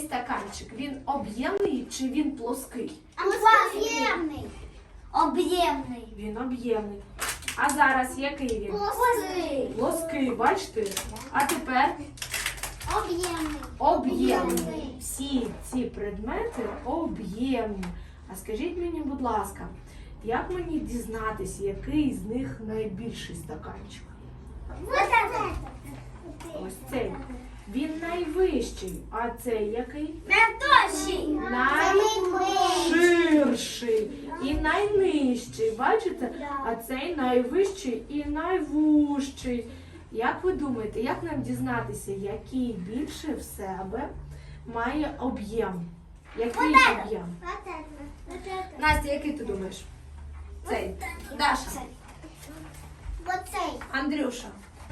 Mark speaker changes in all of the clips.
Speaker 1: стаканчик, він об'ємний чи він плоский?
Speaker 2: Об'ємний. Об'ємний.
Speaker 1: Він об'ємний. А зараз який він?
Speaker 2: Плоский.
Speaker 1: Плоский, бачите? А тепер
Speaker 2: Об'ємний.
Speaker 1: об'ємний. Всі ці предмети об'ємні. А скажіть мені, будь ласка, як мені дізнатися, який з них найбільший стаканчик?
Speaker 2: Вот это.
Speaker 1: Ось цей. Він найвищий, а цей який?
Speaker 2: Найдовший.
Speaker 1: Найширший і найнижчий. Бачите? А цей найвищий і найвужчий. Як ви думаєте, як нам дізнатися, який більше в себе має об'єм? Який об'єм? Настя, який ти думаєш? Цей. Даша.
Speaker 2: Вот цей.
Speaker 1: Андрюша.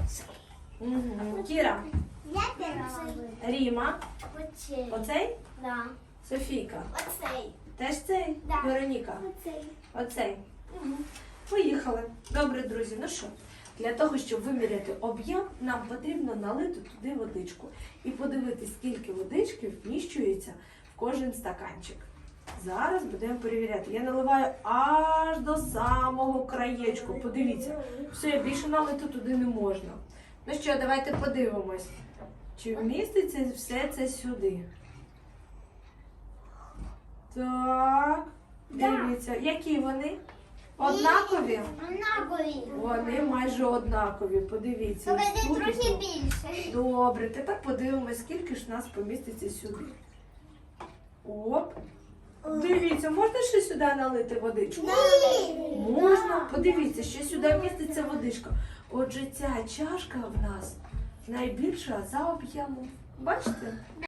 Speaker 1: Кіра.
Speaker 2: Я перша.
Speaker 1: Ріма.
Speaker 2: Оцей.
Speaker 1: Оцей?
Speaker 2: Да.
Speaker 1: Софійка.
Speaker 2: Оцей.
Speaker 1: Теж цей?
Speaker 2: Да.
Speaker 1: Вероніка.
Speaker 2: Оцей.
Speaker 1: Оцей. Поїхали. Добре, друзі. Ну що, для того, щоб виміряти об'єм, нам потрібно налити туди водичку. І подивитись, скільки водички вміщується в кожен стаканчик. Зараз будемо перевіряти. Я наливаю аж до самого краєчку. Подивіться. Все, більше налити туди не можна. Ну що, давайте подивимось, чи вміститься все це сюди. Так, дивіться, які вони? Однакові?
Speaker 2: Однакові.
Speaker 1: Вони майже однакові, подивіться.
Speaker 2: Тільки
Speaker 1: Ось тут
Speaker 2: трохи
Speaker 1: і тут.
Speaker 2: більше.
Speaker 1: Добре, тепер подивимось, скільки ж нас поміститься сюди. Оп. Дивіться, можна ще сюди налити водичку? Можна. Подивіться, ще сюди вміститься водичка. Отже, ця чашка в нас найбільша за об'ємом. Бачите?